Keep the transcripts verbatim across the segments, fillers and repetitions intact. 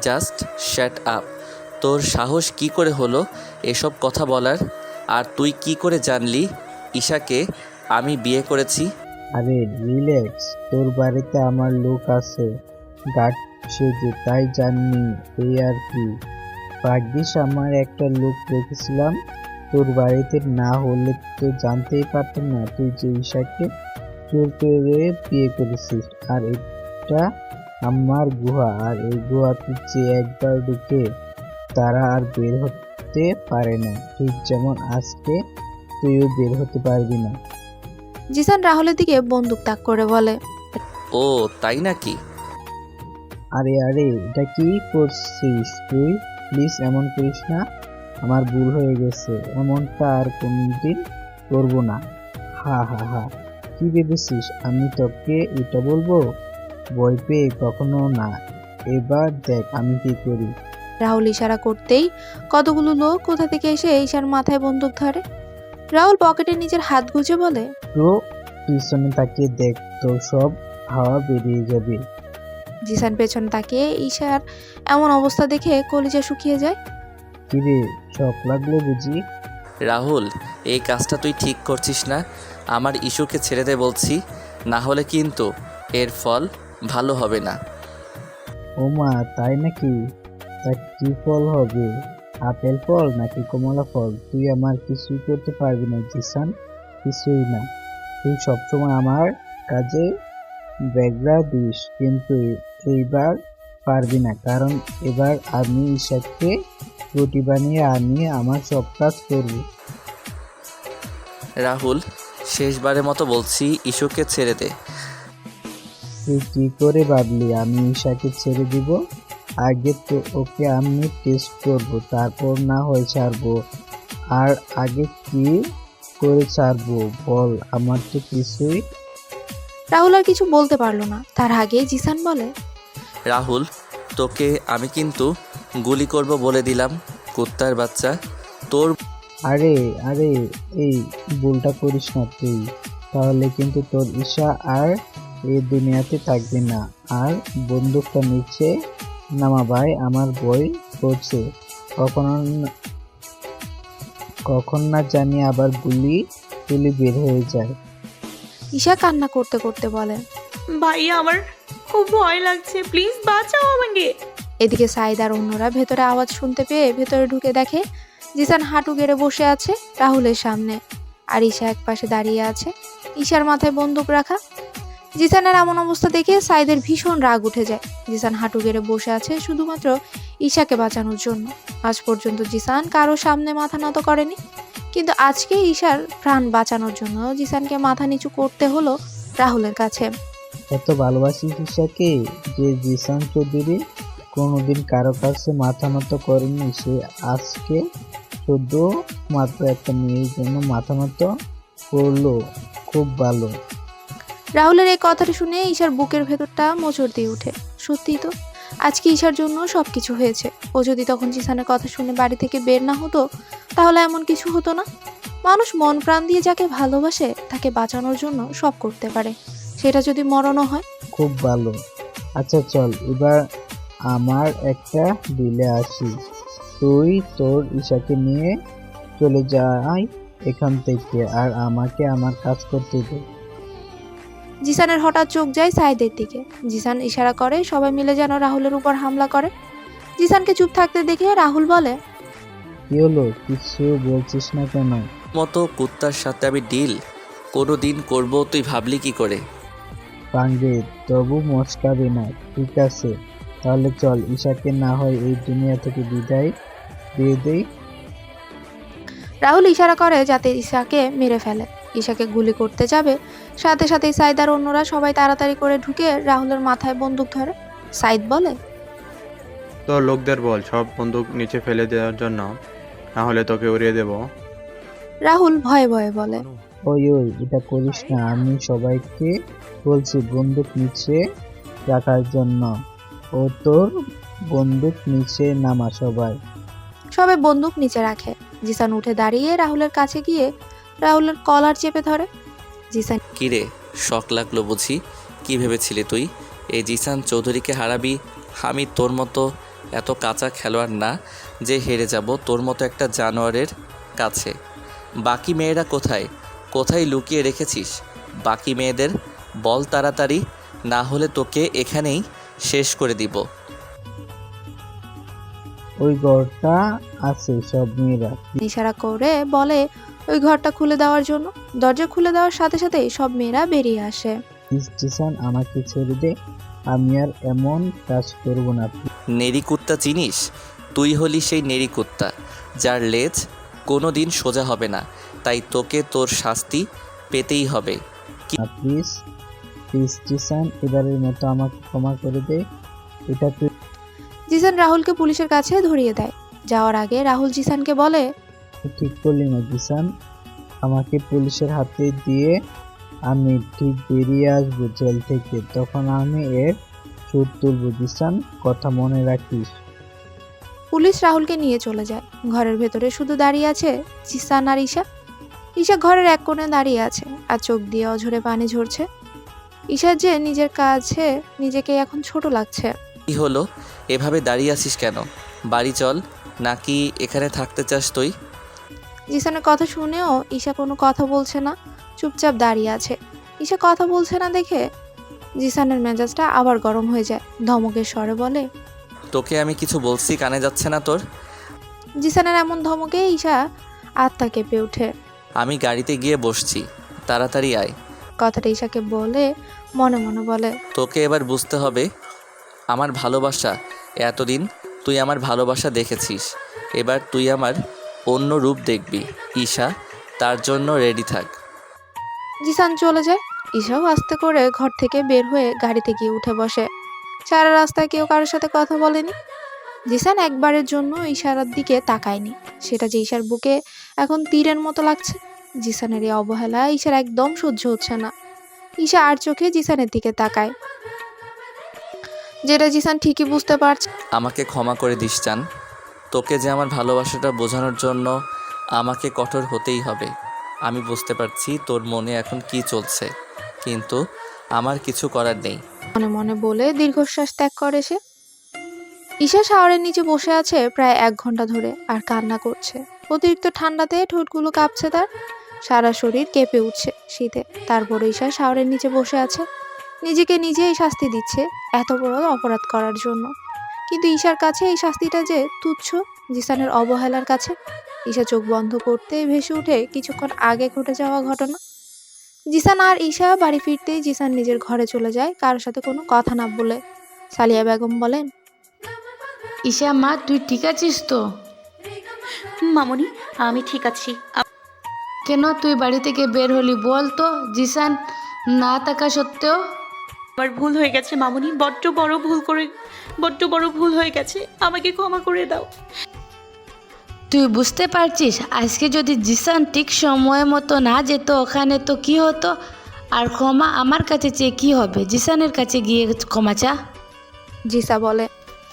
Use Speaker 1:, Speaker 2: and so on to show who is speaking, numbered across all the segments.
Speaker 1: Just shut up. তোর সাহস কি করে হলো এসব কথা বলার? আর তুই কি করে জানলি ঈশাকে আমি বিয়ে করেছি?
Speaker 2: আরে রিল্যাক্স, তোর বাড়িতে আমার লোক আছে গার্ড সেজে, তাই জাননি এই আর কি। ভাগ্যিস আমার একটা লোক রেখেছিলাম, তোর বাড়িতে না হলে তো জানতেই পারতাম না তুই যে ঈশাকে চোর করে বিয়ে করেছিস। আর এটা আমার গুহা, আর এই গুহাতে যে একবার ঢুকে তারা আর বের হতে পারে না, ঠিক যেমন আজকে তুইও বের হতে পারবি না।
Speaker 3: জিসান রাহুলের দিকে বন্দুক তাক করে বলে,
Speaker 1: ও তাই নাকি?
Speaker 2: আরে আরে এটা কি করছিস তুই? প্লিজ এমন করিস না, আমার ভুল হয়ে গেছে, এমনটা আর কোনদিন করবো না। হা হা হা, কি ভেবেছিস আমি তোকে এটা বলবো? ভয় পেয়ে কখনো না, এবার দেখ আমি কি করি।
Speaker 3: রাহুল ইশারা করতেই কতগুলো লোক কোথা থেকে এসে ঈশার মাথায় বন্দুক ধরে। রাহুল পকেটে নিজের হাত গুজে বলে,
Speaker 2: তো পিছনে তাকিয়ে দেখ, তোর সব হাওয়া বেরিয়ে যাবে।
Speaker 3: জিসান পেছনে তাকিয়ে ঈশার এমন অবস্থা দেখে কলিজা শুকিয়ে যায়।
Speaker 2: কিরে, শখ লাগলো বুঝি?
Speaker 1: রাহুল, এই কাজটা তুই ঠিক করছিস না। আমার ইস্যুকে ছেড়ে দে বলছি, না হলে কিন্তু এর ফল ভালো হবে না।
Speaker 2: ও মা, তাই নাকি? তা কি ফল হবে? আপেল ফল নাকি কমলা ফল? তুই আমার কিছুই করতে পারবি না জিসান, কিছুই না। তুই সবসময় আমার কাজে ব্যাগরা দিস, কিন্তু এইবার পারবি না, কারণ এবার আমি ঈশাকে রুটি বানিয়ে আমি আমার সব কাজ করবো।
Speaker 1: রাহুল, শেষবারের মতো বলছি, ইস্যুকে ছেড়ে দে।
Speaker 2: তুই কি করে ভাবলি আমি ঈশাকে ছেড়ে দিব? আগে তো ওকে আমি টেস্ট করবো, তারপর না হয় ছাড়বো। আর আগে কি করে ছাড়বো বল, আমার তো কিছুই।
Speaker 3: রাহুল আর কিছু বলতে পারলো না, তার আগে জিসান বলে,
Speaker 1: রাহুল, তোকে আমি কিন্তু গুলি করব বলে দিলাম, কুত্তার বাচ্চা। তোর
Speaker 2: আরে আরে এই ভুলটা করিস না তুই, তাহলে কিন্তু তোর ঈশা আর এই দুনিয়াতে থাকবে না। আর বন্দুকটা নিচে নামা ভাই, আমার ভয় করছে, কখন কখন না জানি আবার গুলি গুলি বের হয়ে যায়।
Speaker 3: ঈশা কান্না করতে করতে বলে,
Speaker 4: ভাইয়া আমার খুব ভয় লাগছে, প্লিজ বাঁচাও আমাকে।
Speaker 3: এদিকে সাইদ আর অন্যরা ভেতরে আওয়াজ শুনতে পেয়ে ভেতরে ঢুকে দেখে জিসান হাঁটু গেড়ে বসে আছে রাহুলের সামনে, আর ঈশা এক পাশে দাঁড়িয়ে আছে, ঈশার মাথায় বন্দুক রাখা। জিসানের এমন অবস্থা দেখে সাইদের ভীষণ রাগ উঠে যায়। জিসান হাঁটু গেড়ে বসে আছে শুধুমাত্র ঈশাকে বাঁচানোর জন্য। আজ পর্যন্ত জিসান কারো সামনে মাথা নত করেনি, কিন্তু আজকে ঈশার প্রাণ বাঁচানোর জন্য জিসানকে মাথা নিচু করতে হলো রাহুলের কাছে।
Speaker 2: এত ভালোবাসি ঈশাকে যে জিসান চৌধুরী কোনোদিন কারো কাছে মাথা নত করেনি, সে আজকে শুধু মাত্র একটা মেয়ের জন্য মাথা নত করলো। খুব ভালো।
Speaker 3: রাহুলের এই কথাটা শুনে ঈশার বুকের ভেতরটা মোচড় দিয়ে উঠে। সত্যিই তো, আজকে ঈশার জন্য সবকিছু হয়েছে। ও যদি তখন জিসানের কথা শুনে বাড়ি থেকে বের না হতো, তাহলে এমন কিছু হতো না। মানুষ মন প্রাণ দিয়ে যাকে ভালোবাসে তাকে বাঁচানোর জন্য সব করতে পারে, সেটা যদি মরণও হয়।
Speaker 2: খুব ভালো। আচ্ছা চল এবার আমার একটা দিলে আসি, তুই তোর ঈশাকে নিয়ে চলে যাই এখান থেকে, আর আমাকে আমার কাজ করতে দে।
Speaker 3: জিসানের হঠাৎ চোখ যায় সাইদের দিকে। জিসান ইশারা করে সবাই মিলে যেন রাহুলের উপর হামলা করে। জিসানকে চুপ থাকতে দেখে রাহুল বলে,
Speaker 2: কি হলো, কিছু বলছিস না কেন?
Speaker 1: মতো কুত্তার সাথে আমি ডিল কোনো দিন করবো তুই ভাবলি কি করে?
Speaker 2: পাঙ্গে, তবু মচকাবে না, ঠিক আছে? তাহলে চল ঈশাকে না হয় এই দুনিয়া থেকে বিদায় দিয়ে দেই।
Speaker 3: রাহুল ইশারা করে যাতে ঈশাকে মেরে ফেলে। ঈশাকে গুলি করতে যাবে, সাথে সাথে সাইদ আর অন্যরা সবাই তাড়াতাড়ি করে ঢুকে রাহুলের মাথায় বন্দুক ধরে। সাইদ বলে,
Speaker 5: তোর লোকদের বল সব বন্দুক নিচে ফেলে দেওয়ার জন্য, না হলে তোকে উড়িয়ে দেব।
Speaker 3: রাহুল ভয়ে ভয়ে বলে,
Speaker 2: ওই ওই এটা করিস না, আমি সবাইকে বলছি বন্দুক নিচে রাখার জন্য। ও তোর বন্দুক নিচে নামা সবাই।
Speaker 3: সবাই বন্দুক নিচে রাখে। জিসান উঠে দাঁড়িয়ে রাহুলের কাছে গিয়ে রাহুলের কলার চেপে ধরে। জিসান,
Speaker 1: কিরে, শখ লাগলো বুঝি? কি ভেবেছিলি তুই এই জিসান চৌধুরীকে হারাবি? আমি তোর মতো এত কাঁচা খেলোয়াড় না যে হেরে যাব তোর মতো একটা জানোয়ারের কাছে। বাকি মেয়েরা কোথায় কোথায় লুকিয়ে রেখেছিস বাকি মেয়েদের? বল তাড়াতাড়ি, না হলে তোকে এখানেই শেষ করে দিব।
Speaker 2: ওই ঘরটা আছে সব মেয়েরা।
Speaker 3: ইশারা করে বলে ওই ঘরটা খুলে দেওয়ার জন্য। দরজা খুলে দেওয়ার সাথে সাথে সব মেয়েরা বেরিয়ে আসে।
Speaker 2: প্লিজ জিসান, আমাকে ছেড়ে দে, আমি আর এমন কাজ করব না।
Speaker 1: নেড়ি কুত্তা চিনিস? তুই হলি সেই নেড়ি কুত্তা যার লেজ কোনো দিন সোজা হবে না, তাই তোকে তোর শাস্তি পেতেই হবে।
Speaker 2: প্লিজ প্লিজ জিসান, এবারের মতো আমাকে ক্ষমা করে দে। এটা তুই
Speaker 3: জিসান রাহুলকে পুলিশের কাছে ধরিয়ে দেয়। যাওয়ার আগে রাহুল জিসানকে বলে,
Speaker 2: ঠিক করলি না জিসান, আমাকে পুলিশের হাতে দিয়ে আমি ঠিক বেরিয়ে আসবো জেল থেকে, তখন আমি এর সুদ তুলবো। জিসান, কথা মনে রাখিস।
Speaker 3: পুলিশ রাহুলকে নিয়ে চলে যায়। ঘরের ভেতরে শুধু দাঁড়িয়ে আছে জিসান আর ঈশা। ঈশা ঘরের এক কোণে দাঁড়িয়ে আছে আর চোখ দিয়ে অঝরে পানি ঝরছে। ঈশার যে নিজের কাছে নিজেকে এখন ছোট লাগছে।
Speaker 1: কি হলো, এভাবে দাঁড়িয়ে আছিস কেন? বাড়ি চল, নাকি এখানে থাকতে চাস তুই?
Speaker 3: জিসানের কথা শুনেও ঈশা কোনো কথা বলছে না, চুপচাপ দাঁড়িয়ে আছে। ঈশা কথা বলছে না দেখে জিসানের মেজাজটা আবার গরম হয়ে যায়। ধমকের স্বরে বলে,
Speaker 1: তোকে আমি কিছু বলছি, কানে যাচ্ছে না তোর?
Speaker 3: জিসানের এমন ধমকে ঈশা আত্মা কেঁপে ওঠে।
Speaker 1: আমি গাড়িতে গিয়ে বসছি, তাড়াতাড়ি আয়।
Speaker 3: কথাটা ঈশাকে বলে মনে মনে বলে,
Speaker 1: তোকে এবার বুঝতে হবে আমার ভালোবাসা। এতদিন তুই আমার ভালোবাসা দেখেছিস, এবার তুই আমার অন্য রূপ দেখবি। ঈশা, তার জন্য রেডি থাক।
Speaker 3: জিসান চলে যায়। ঈশাও আস্তে করে ঘর থেকে বের হয়ে গাড়িতে গিয়ে উঠে বসে। সারা রাস্তায় কেউ কারোর সাথে কথা বলেনি। জিসান একবারের জন্য ইশারার দিকে তাকায়নি। সেটা যে ঈশার বুকে এখন তীরের মতো লাগছে। জিসানের এই অবহেলা ঈশার একদম সহ্য হচ্ছে না। ঈশা আর চোখে জিসানের দিকে তাকায়, যেটা জিসান ঠিকই বুঝতে পারছে।
Speaker 1: আমাকে ক্ষমা করে দিস চান, তোকে যে আমার ভালোবাসাটা বোঝানোর জন্য আমাকে কঠোর হতেই হবে। আমি বুঝতে পারছি তোর মনে এখন কি চলছে, কিন্তু আমার কিছু করার নেই।
Speaker 3: মনে মনে বলে দীর্ঘশ্বাস ত্যাগ করে সে। ঈশা শাওয়ারের নিচে বসে আছে প্রায় এক ঘন্টা ধরে আর কান্না করছে। অতিরিক্ত ঠান্ডাতে ঠোঁটগুলো কাঁপছে তার, সারা শরীর কেঁপে উঠছে শীতে। তারপর ঈশা শাওয়ারের নিচে বসে আছে, নিজেকে নিজেই শাস্তি দিচ্ছে এত বড় অপরাধ করার জন্য। কিন্তু ঈশার কাছে এই শাস্তিটা যে তুচ্ছ জিসানের অবহেলার কাছে। ঈশা চোখ বন্ধ করতে ভেসে উঠে কিছুক্ষণ আগে ঘটে যাওয়া ঘটনা। জিসান আর ঈশা বাড়ি ফিরতেই জিসান নিজের ঘরে চলে যায় কারোর সাথে কোনো কথা না বলে। সালিয়া বেগম বলেন,
Speaker 6: ঈশা মা, তুই ঠিক আছিস তো?
Speaker 4: মামনি, আমি ঠিক আছি। আপ-
Speaker 6: কেন তুই বাড়ি থেকে বের হলি বল তো? জিসান না থাকা সত্ত্বেও?
Speaker 4: আমার ভুল হয়ে গেছে মামনি, বড্ড বড় ভুল করে বড্ড বড় ভুল হয়ে গেছে, আমাকে ক্ষমা করে দাও।
Speaker 6: তুই বুঝতে পারছিস আজকে যদি জিসান ঠিক সময় মতো না যেত ওখানে তো কি হতো? আর ক্ষমা আমার কাছে চেয়ে কি হবে? জিসানের কাছে গিয়ে ক্ষমা চা।
Speaker 3: জিসা বলে,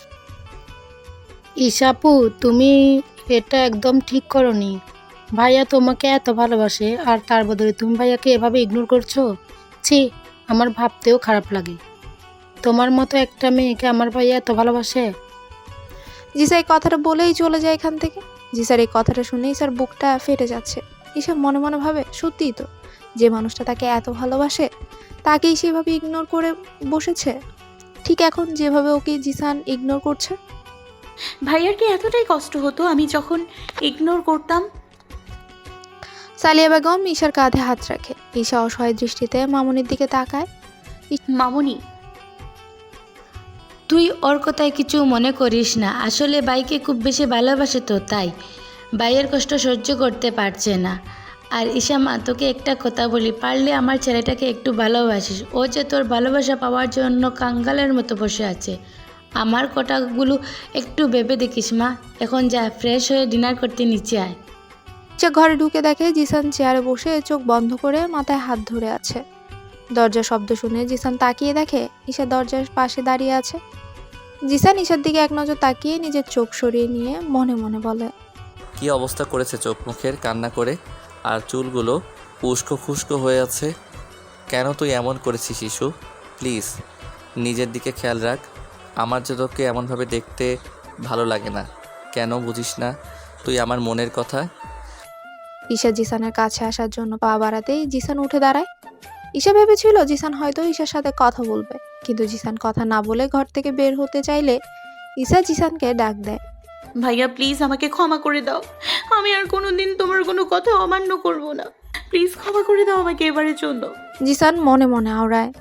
Speaker 7: ঈশাপু, তুমি এটা একদম ঠিক করনি। ভাইয়া তোমাকে এত ভালোবাসে আর তার বদলে তুমি ভাইয়াকে এভাবে ইগনোর করছো। ছি, আমার ভাবতেও খারাপ লাগে। তোমার মতো একটা মেয়েকে আমার ভাইয়া এত ভালোবাসে।
Speaker 3: জিসা এই কথাটা বলেই চলে যায় এখান থেকে। জিসার এই কথাটা শুনে ঈশার বুকটা ফেটে যাচ্ছে। ঈশা মনে মনে ভাবে, সত্যিই তো, যে মানুষটা তাকে এত ভালোবাসে তাকেই সেভাবে ইগনোর করে বসেছে, ঠিক এখন যেভাবে ওকে জিসান ইগনোর করছে।
Speaker 4: ভাইয়ার কি এতটাই কষ্ট হতো আমি যখন ইগনোর করতাম?
Speaker 3: সালিয়া বেগম ঈশার কাঁধে হাত রাখে। ঈশা অসহায় দৃষ্টিতে মামুনির দিকে তাকায়।
Speaker 4: মামনি,
Speaker 6: তুই ওর কথায় কিছু মনে করিস না। আসলে বাইকে খুব বেশি ভালোবাসে তো, তাই বাইয়ের কষ্ট সহ্য করতে পারছে না। আর ঈশা মা, তোকে একটা কথা বলি, পারলে আমার ছেলেটাকে একটু ভালোবাসিস। ও যে তোর ভালোবাসা পাওয়ার জন্য কাঙ্গালের মতো বসে আছে। আমার কথাগুলো একটু ভেবে দেখিস মা। এখন যা, ফ্রেশ হয়ে ডিনার করতে নিচে আয়।
Speaker 3: ঈশা ঘরে ঢুকে দেখে জিসান চেয়ারে বসে চোখ বন্ধ করে মাথায় হাত ধরে আছে। দরজার শব্দ শুনে জিসান তাকিয়ে দেখে ঈশা দরজার পাশে দাঁড়িয়ে আছে। জিসান ঈশার দিকে এক নজর তাকিয়ে নিজের চোখ সরিয়ে নিয়ে মনে মনে বলে,
Speaker 1: কি অবস্থা করেছে চোখ মুখের, কান্না করে, আর চুলগুলো উস্কো খুস্কো হয়ে আছে। কেন তুই এমন করেছিস শিশু? প্লিজ নিজের দিকে খেয়াল রাখ। আমার যে তোকে এমনভাবে দেখতে ভালো লাগে না। কেন বুঝিস না তুই আমার মনের কথা?
Speaker 3: ঈশা জিসানের কাছে আসার জন্য পা বাড়াতেই জিসান উঠে দাঁড়ায়। ঈশা ভেবেছিল জিসান হয়তো ঈশার সাথে কথা বলবে, কিন্তু জিসান কথা না বলে ঘর থেকে বের হতে চাইলে ঈশা জিসানকে ডাক দেয়।
Speaker 4: ভাইয়া প্লিজ আমাকে ক্ষমা করে দাও, আমি আর কোনোদিন তোমার কোনো কথা অমান্য করব না। প্লিজ ক্ষমা করে দাও আমাকে এবারের জন্য।
Speaker 3: জিসান মনে মনে আওড়ায়।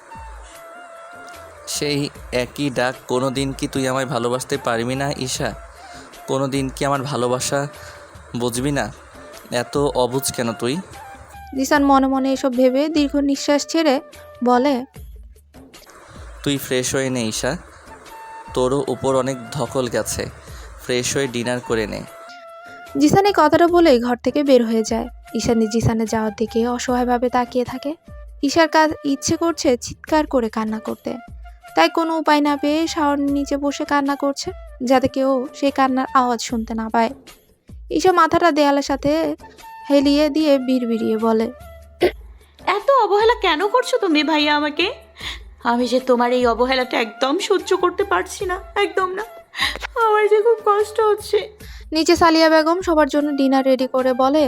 Speaker 1: সেই একই ডাক। কোনো দিন কি তুই আমায় ভালোবাসতে পারবি না ঈশা? কোনো দিন কি আমার ভালোবাসা বুঝবি না? এত অবুঝ কেন তুই?
Speaker 3: জিসান মনে মনে এসব ভেবে দীর্ঘ নিঃশ্বাস ছেড়ে বলে,
Speaker 1: তুই ফ্রেশ হয়ে নে ঈশা, তোরও উপর অনেক ধকল গেছে। ফ্রেশ হয়ে ডিনার করে নে।
Speaker 3: জিসান এই কথাটা বলেই ঘর থেকে বের হয়ে যায়। ঈশানি জিসানের যাওয়ার দিকে অসহায়ভাবে তাকিয়ে থাকে। ঈশার কাজ ইচ্ছে করছে চিৎকার করে কান্না করতে, তাই কোনো উপায় না পেয়ে শাওয়ারের নিচে বসে কান্না করছে, যাতে কেউ সেই কান্নার আওয়াজ শুনতে না পায়। ঈশা মাথাটা দেয়ালের সাথে হেলিয়ে দিয়ে বিড়বিড়িয়ে বলে,
Speaker 4: এত অবহেলা কেন করছো তুমি ভাইয়া আমাকে? আমি যে তোমার এই অবহেলাটা একদম সহ্য করতে পারছি না, একদম না। আমার যে খুব কষ্ট হচ্ছে।
Speaker 3: নিচে সালিয়া বেগম সবার জন্য ডিনার রেডি করে বলে,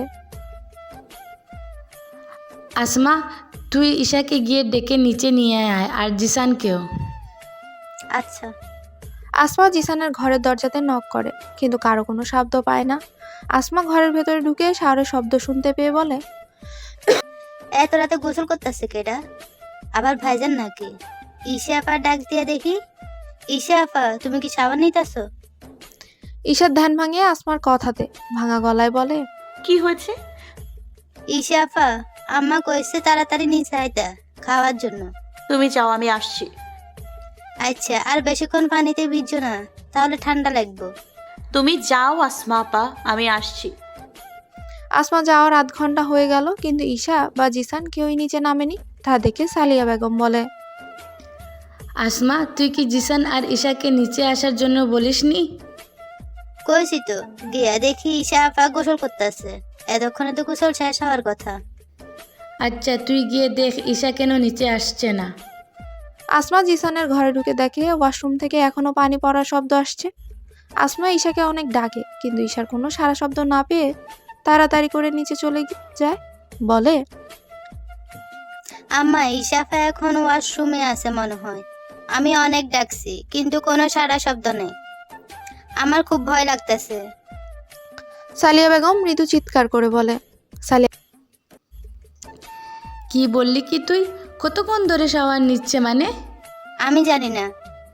Speaker 6: আসমা, তুই ঈশাকে গিয়ে ডেকে নিচে নিয়ে আয়, আর জিসানকেও।
Speaker 8: আচ্ছা।
Speaker 3: আসমা জিসানের ঘরের দরজাতে নক করে, কিন্তু কারো কোনো শব্দ পায় না। আসমা ঘরের ভেতরে ঢুকে শাওরের শব্দ শুনতে পেয়ে বলে,
Speaker 8: এত রাতে গোসল করতেছে কেডা? আবার ভাইজান নাকি? ঈশা আপা ডাক দিয়ে দেখি। ঈশা আপা, তুমি কি সাবান নিতেছো?
Speaker 3: ঈশার ধ্যান ভাঙিয়ে আসমার কথাতে ভাঙা গলায় বলে,
Speaker 4: কি হয়েছে?
Speaker 8: ঈশা আপা, আম্মা কইছে তাড়াতাড়ি নিচে আইতা খাওয়ার জন্য।
Speaker 4: তুমি যাও, আমি আসছি।
Speaker 8: আচ্ছা, আর বেশিক্ষণ পানিতে ভিজছো না, তাহলে ঠান্ডা লাগবে।
Speaker 4: তুমি যাও আসমা আপা, আমি আসছি।
Speaker 3: আসমা যাওয়ার আধ ঘন্টা হয়ে গেল, কিন্তু ঈশা বা জিসান কেউই নিচে নামেনি। তা দেখে সালিয়া বেগম বলে,
Speaker 6: আসমা, তুই কি জিসান আর ঈশাকে নিচে আসার জন্য বলিসনি?
Speaker 8: কইছি তো, গিয়া দেখি ঈশা আপা গোসল করতেছে। এতক্ষণে তো গোসল শেষ হওয়ার কথা।
Speaker 6: আচ্ছা, তুই গিয়ে দেখ ঈশা কেন নিচে আসছে না।
Speaker 3: আসমা জিসানের ঘরে ঢুকে দেখে ওয়াশরুম থেকে এখনো পানি পড়ার শব্দ আসছে। আসমা ঈশাকে অনেক ডাকে, কিন্তু ঈশার কোনো সারা শব্দ না পেয়ে তাড়াতাড়ি করে নিচে চলে যায়। বলে,
Speaker 8: আম্মা, ঈশা আপা এখন ওয়াশরুমে আছে মনে হয়। আমি অনেক ডাকছি, কিন্তু কোনো সারা শব্দ নেই। আমার খুব ভয় লাগতেছে।
Speaker 3: সালিয়া বেগম মৃদু চিৎকার করে বলে, সালিয়া
Speaker 6: কি বললি কি তুই? কতক্ষণ ধরে শাওয়ার নিচ্ছে মানে?
Speaker 8: আমি জানি না।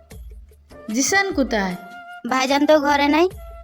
Speaker 6: জিসান কোথায়?
Speaker 8: ভাইজান তো ঘরে নাই।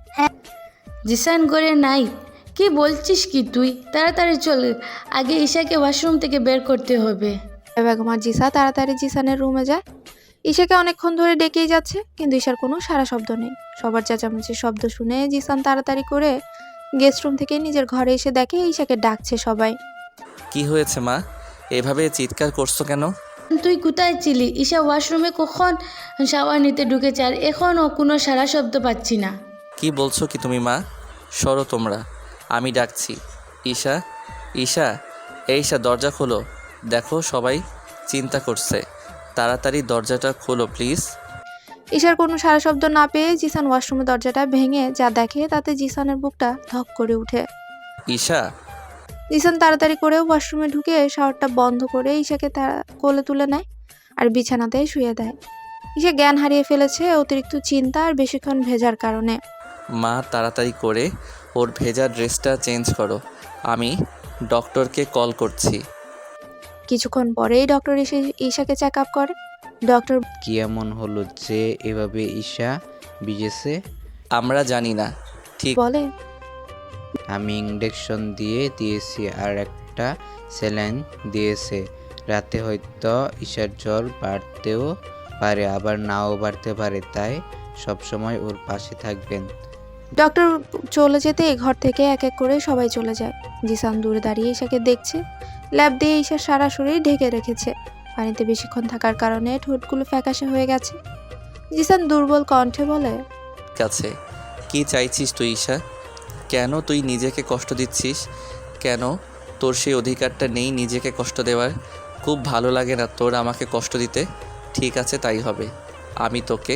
Speaker 6: জিসান ঘরে নাই? কি বলছিস কি তুই? তাড়াতাড়ি চল, আগে ঈশাকে ওয়াশরুম থেকে বের করতে হবে।
Speaker 3: বেগম আর জিসা তাড়াতাড়ি জিসানের রুমে যায়। ঈশাকে অনেকক্ষণ ধরে ডেকেই যাচ্ছে, কিন্তু ঈশার কোনো সারা শব্দ নেই। সবার চেঁচামেচির শব্দ শুনে জিসান তাড়াতাড়ি করে গেস্ট রুম থেকে নিজের ঘরে এসে দেখে ঈশাকে ডাকছে সবাই।
Speaker 1: কি হয়েছে মা, এভাবে চিৎকার করছো কেন?
Speaker 6: তুই কোথায় ছিলি? ঈশা ওয়াশরুমে কখন শাওয়ার নিতে ঢুকেছে, আর এখনও কোনো সারা শব্দ পাচ্ছি না।
Speaker 1: কি বলছো কি তুমি মা? সরো তোমরা, আমি ডাকছি। ঈশা, ঈশা, এই ঈশা, দরজা খোলো। দেখো সবাই চিন্তা করছে, তাড়াতাড়ি দরজাটা খোলো প্লিজ।
Speaker 3: ঈশার কোনো সারা শব্দ না পেয়ে জিসান ওয়াশরুমের দরজাটা ভেঙে যা দেখে তাতে জিসানের বুকটা ধক করে ওঠে।
Speaker 1: ঈশা,
Speaker 3: জিসান তাড়াতাড়ি করে ওয়াশরুমে ঢুকে শাওয়ারটা বন্ধ করে ঈশাকে তারা কোলে তুলে নেয় আর বিছানাতে শুয়ে দেয়। ঈশা জ্ঞান হারিয়ে ফেলেছে অতিরিক্ত চিন্তা আর বেশিক্ষণ ভেজার কারণে।
Speaker 1: মা তাড়াতাড়ি করে ওর ভেজা ড্রেসটা চেঞ্জ করো, আমি ডক্টরকে কল করছি।
Speaker 3: কিছুক্ষণ পরেই ডক্টর এসে ঈশাকে চেক আপ করে। ডক্টর
Speaker 2: কি এমন হলো যে এভাবে ঈশা ভিজেছে?
Speaker 1: আমরা জানি না ঠিক।
Speaker 3: বলে,
Speaker 2: আমি ইঞ্জেকশন দিয়ে দিয়েছি আর একটা স্যালাইন দিয়েছে। রাতে হয়তো ঈশার জ্বর বাড়তেও পারে, আবার নাও বাড়তে পারে, তাই সবসময় ওর পাশে থাকবেন।
Speaker 3: ডক্টর চলে যেতে ঘর থেকে এক এক করে সবাই চলে যায়। জিসান দূরে দাঁড়িয়ে ঈশাকে দেখছে। ল্যাব দিয়ে ঈশার সারা শরীর ঢেকে রেখেছে। পানিতে বেশিক্ষণ থাকার কারণে ঠোঁটগুলো ফ্যাকাশে হয়ে গেছে। জিসান দুর্বল কণ্ঠে বলে,
Speaker 1: কাছে কি চাইছিস তুই ঈশা? কেন তুই নিজেকে কষ্ট দিচ্ছিস? কেন তোর সেই অধিকারটা নেই নিজেকে কষ্ট দেওয়ার? খুব ভালো লাগে না তোর আমাকে কষ্ট দিতে। ঠিক আছে, তাই হবে। আমি তোকে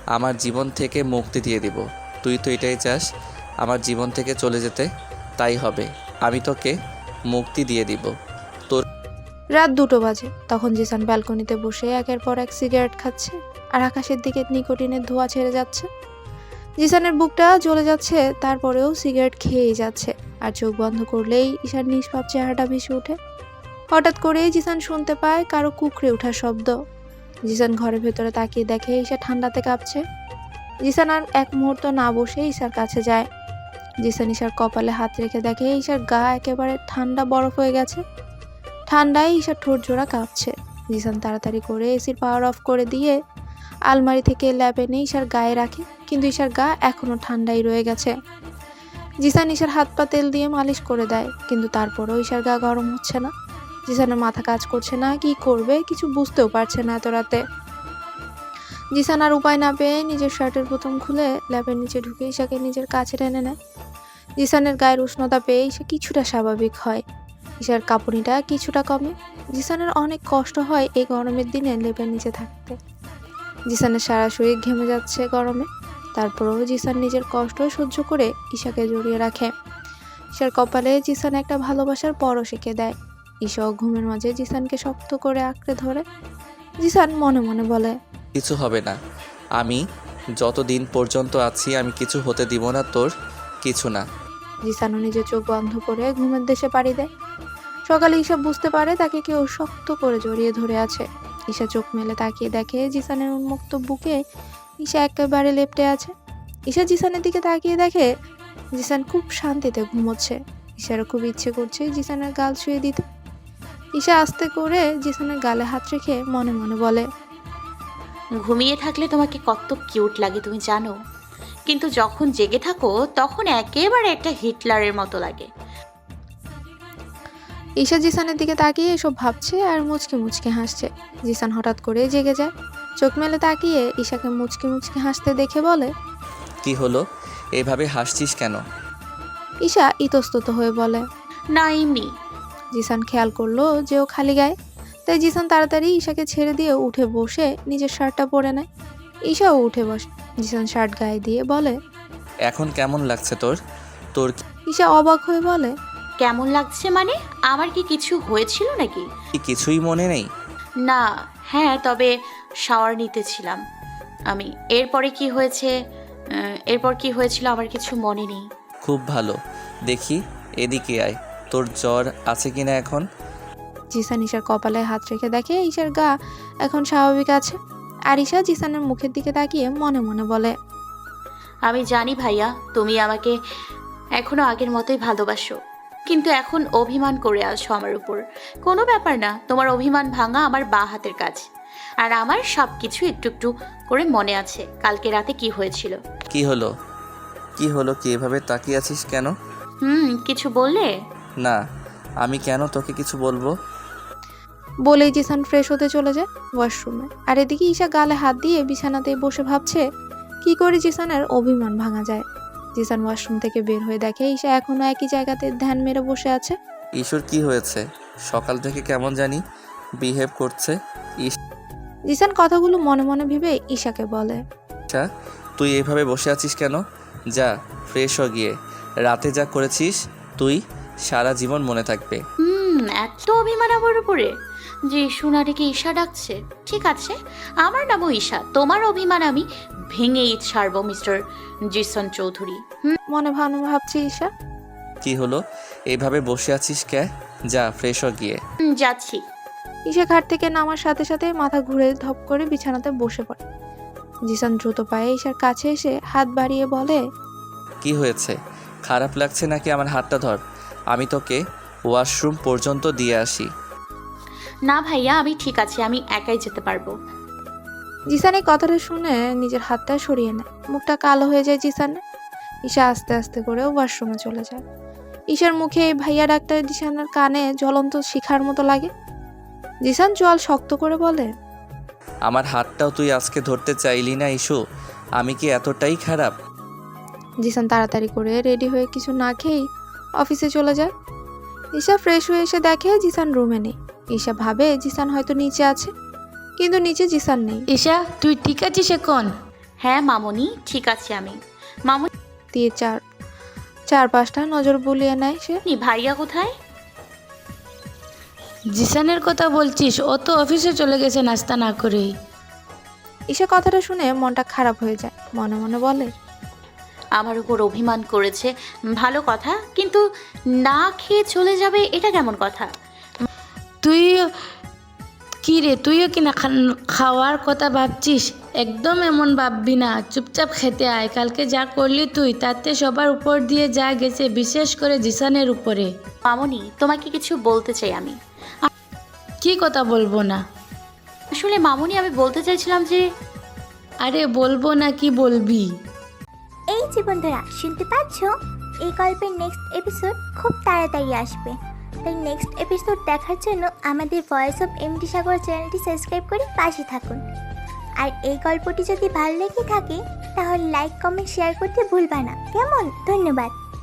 Speaker 1: আমার জীবন থেকে মুক্তি দিয়ে দিব। তুই তো এটাই চাস, আমার জীবন থেকে চলে যেতে। তাই হবে, আমি তোকে মুক্তি দিয়ে দিব।
Speaker 3: রাত দুটো বাজে। তখন জিসান ব্যালকনিতে বসে একের পর এক সিগারেট খাচ্ছে আর আকাশের দিকে নিকোটিনের ধোঁয়া ছেড়ে যাচ্ছে। জিসানের বুকটা জ্বলে যাচ্ছে, তারপরেও সিগারেট খেয়েই যাচ্ছে। আর চোখ বন্ধ করলেই ঈশার নিষ্পাপ চেহারাটা ভেসে ওঠে। হঠাৎ করেই জিসান শুনতে পায় কারো কুকড়ে ওঠার শব্দ। জিসান ঘরের ভেতরে তাকিয়ে দেখে ঈশা ঠান্ডাতে কাঁপছে। জিসান আর এক মুহূর্ত না বসে ঈশার কাছে যায়। জিসান ঈশার কপালে হাত রেখে দেখে ঈশার গা একেবারে ঠান্ডা বরফ হয়ে গেছে। ঠান্ডায় ঈশার ঠোঁট জোড়া কাঁপছে। জিসান তাড়াতাড়ি করে এসির পাওয়ার অফ করে দিয়ে আলমারি থেকে ল্যাব এনে ঈশার গায়ে রাখে, কিন্তু ঈশার গা এখনো ঠান্ডাই রয়ে গেছে। জিসান ঈশার হাত পা তেল দিয়ে মালিশ করে দেয়, কিন্তু তারপরেও ঈশার গা গরম হচ্ছে না। জিসানের মাথা কাজ করছে না, কি করবে কিছু বুঝতেও পারছে না এত রাতে। জিসান আর উপায় না পেয়ে নিজের শার্টের বোতাম খুলে ল্যাবের নিচে ঢুকে ঈশাকে নিজের কাছে টেনে নেয়। জিসানের গায়ের উষ্ণতা পেয়ে ঈশা কিছুটা স্বাভাবিক হয়। ঈশার কাঁপুনিটা কিছুটা কমে। জিসানের অনেক কষ্ট হয় এই গরমের দিনে লেপের নিচে থাকতে। জিসানের সারা শরীর ঘেমে যাচ্ছে গরমে, তারপরেও জিসান নিজের কষ্ট সহ্য করে ঈশাকে জড়িয়ে রাখে। ঈশার কপালে জিসান একটা ভালোবাসার পরশ এঁকে দেয়। ঈশাও ঘুমের মাঝে জিসানকে শক্ত করে আঁকড়ে ধরে। জিসান মনে মনে বলে,
Speaker 1: কিছু হবে না, আমি যতদিন পর্যন্ত আছি আমি কিছু হতে দিব না তোর, কিছু না।
Speaker 3: জিসানও নিজের চোখ বন্ধ করে ঘুমের দেশে পাড়ি দেয়। সকালে ঈশা বুঝতে পারে তাকে কেউ শক্ত করে জড়িয়ে ধরে আছে। ঈশা চোখ মেলে তাকিয়ে দেখে জিসানের উন্মুক্ত বুকে ঈশা একেবারে লেপ্টে আছে। ঈশা জিসানের দিকে তাকিয়ে দেখে জিসান খুব শান্তিতে ঘুমোচ্ছে। ঈশারও খুব ইচ্ছে করছে জিসানের গাল ছুঁয়ে দিতে। ঈশা আস্তে করে জিসানের গালে হাত রেখে মনে মনে বলে,
Speaker 4: ঘুমিয়ে থাকলে তোমাকে কত কিউট লাগে তুমি জানো, কিন্তু যখন জেগে থাকো তখন একেবারে একটা হিটলারের মতো লাগে।
Speaker 3: ঈশা জিসানের দিকে তাকিয়ে এসব ভাবছে আর মুচকি মুচকি হাসছে। জিসান হঠাৎ করে জেগে যায়। চোখ মেলে তাকিয়ে ঈশাকে মুচকি মুচকি হাসতে দেখে বলে,
Speaker 1: কি হলো, এভাবে হাসছিস কেন?
Speaker 3: ঈশা ইতস্তত হয়ে বলে,
Speaker 4: না এমনি।
Speaker 3: জিসান খেয়াল করলো যে ও খালি গায়ে, তাই জিসান তাড়াতাড়ি ঈশাকে ছেড়ে দিয়ে উঠে বসে নিজের শার্টটা পরে নেয়। ঈশাও উঠে বসে। জিসান শার্ট গায়ে দিয়ে বলে,
Speaker 1: এখন কেমন লাগছে তোর? তোর কি
Speaker 3: ঈশা অবাক হয়ে বলে,
Speaker 4: কেমন লাগছে মানে? আমার কি কিছু হয়েছিল নাকি?
Speaker 1: কিছুই মনে নেই?
Speaker 4: না, হ্যাঁ, তবে শাওয়ার নিতেছিলাম আমি। এরপরে কি হয়েছে আহ, এরপর কি হয়েছিল আমার কিছু মনে নেই।
Speaker 1: খুব ভালো, দেখি এদিকে আয়, তোর জ্বর আছে কিনা এখন?
Speaker 3: জিসান ঈশার কপালে হাত রেখে দেখে ঈশার গা এখন স্বাভাবিক আছে। আর ঈশা জিসানের মুখের দিকে তাকিয়ে মনে মনে বলে,
Speaker 4: আমি জানি ভাইয়া তুমি আমাকে এখনো আগের মতোই ভালোবাসো, কিন্তু এখন অভিমান করে আসো আমার উপর। কোনো ব্যাপার না, তোমার অভিমান ভাঙা আমার বাঁ হাতের কাজ। আর আমার সব কিছু একটু একটু করে মনে আছে কালকে রাতে কি হয়েছিল।
Speaker 1: কি হলো কি হলো কি এভাবে তাকিয়ে আছিস কেন?
Speaker 4: হুম কিছু বললে?
Speaker 1: না, আমি কেন তোকে কিছু বলবো?
Speaker 3: বলেই জিসান ফ্রেশ হতে চলে যায় ওয়াশরুমে। আর এদিকে ঈশা গালে হাত দিয়ে বিছানাতে বসে ভাবছে কি করে জিসানের অভিমান ভাঙা যায়। জিসান ওয়াশরুম থেকে বের হয়ে দেখে ঈশা এখনো একই জায়গাতে ধ্যান মেরে বসে আছে।
Speaker 1: ঈশ্বর, কি হয়েছে? সকাল থেকে কেমন জানি বিহেভ করছে।
Speaker 3: জিসান কথাগুলো মনে মনে ভেবে ঈশাকে বলে,
Speaker 1: আচ্ছা, তুই এভাবে বসে আছিস কেন? যা ফ্রেশ হ গিয়ে। রাতে যা করেছিস তুই সারা জীবন মনে থাকবে।
Speaker 4: হুম এত অভিমান আমার উপরে যে সোনারিকে ঈশা ডাকছে। ঠিক আছে, আমার নামও ঈশা, তোমার অভিমান আমি ভেঙেই ছাড়বো মিস্টার জিসন চৌধুরী। হুম
Speaker 3: মনে ভাবনা ভাবছে ঈশা।
Speaker 1: কি হলো, এইভাবে বসে আছিস কে? যা ফ্রেশ হ গিয়ে।
Speaker 4: হুম, যাচ্ছি।
Speaker 3: ঈশা ঘাট থেকে নামার সাথে সাথে মাথা ঘুরে ধপ করে বিছানাতে বসে পড়ে। জিসান দ্রুত পায়ে ঈশার কাছে এসে হাত বাড়িয়ে বলে,
Speaker 1: কি হয়েছে? খারাপ লাগছে নাকি? আমার হাতটা ধর, আমি তোকে ওয়াশরুম পর্যন্ত দিয়ে আসি।
Speaker 4: না ভাইয়া, আমি ঠিক আছে, আমি একাই যেতে পারবো।
Speaker 3: জিসান এই কথাটা শুনে নিজের হাতটা সরিয়ে নেয়। মুখটা কালো হয়ে যায় জিসানের। ঈশা আস্তে আস্তে করে ওয়াশরুমে চলে যায়। ঈশার মুখে এই ভাইয়া ডাক্তার জিসানের কানে জ্বলন্ত শিখার মতো লাগে। জিসান জল শক্ত করে বলে,
Speaker 1: আমার হাতটাও তুই আজকে ধরতে চাইলি না ইস্যু? আমি কি এতটাই খারাপ?
Speaker 3: জিসান তাড়াতাড়ি করে রেডি হয়ে কিছু না খেয়েই অফিসে চলে যায়। ঈশা ফ্রেশ হয়ে এসে দেখে জিসান রুমে নেই। ঈশা ভাবে জিসান হয়তো নিচে আছে, কিন্তু নিচে জিসান নেই।
Speaker 6: ঈশা, তুই ঠিক আছিস এখন?
Speaker 4: হ্যাঁ মামুনি, ঠিক আছে আমি। মামুনি,
Speaker 3: দিয়ে চার চার পাঁচটা নজর বুলিয়ে নেয় সে।
Speaker 4: ভাইয়া কোথায়?
Speaker 6: জিসানের কথা বলছিস? ও তো অফিসে চলে গেছে নাস্তা না করেই।
Speaker 3: ঈশা কথাটা শুনে মনটা খারাপ হয়ে যায়, মনে মনে বলে,
Speaker 4: আমার উপর অভিমান করেছে ভালো কথা, কিন্তু না খেয়ে চলে যাবে এটা কেমন কথা?
Speaker 6: তুই কি রে, তুইও কি না খান- খাওয়ার কথা ভাবছিস? একদম এমন ভাববি না, চুপচাপ খেতে আয়। কালকে যা করলি তুই, তাতে সবার উপর দিয়ে যা গেছে, বিশেষ করে জিসানের উপরে।
Speaker 4: মামুনি, তোমাকে কিছু বলতে চাই আমি।
Speaker 6: কি কথা বলবো না?
Speaker 4: আসলে মামুনি, আমি বলতে চাইছিলাম যে
Speaker 6: আরে বলবো না, কি বলবি?
Speaker 9: এই যে বন্ধুরা, শুনতে পাচ্ছ? এই গল্পের নেক্সট এপিসোড খুব তাড়াতাড়ি আসবে, তাই নেক্সট এপিসোড দেখার জন্য আমাদের ভয়েস অফ এমডি সাগর চ্যানেলটি সাবস্ক্রাইব করে পাশে থাকুন। আর এই গল্পটি যদি ভালো লেগে থাকে তাহলে লাইক কমেন্ট শেয়ার করতে ভুলবা না, কেমন? ধন্যবাদ।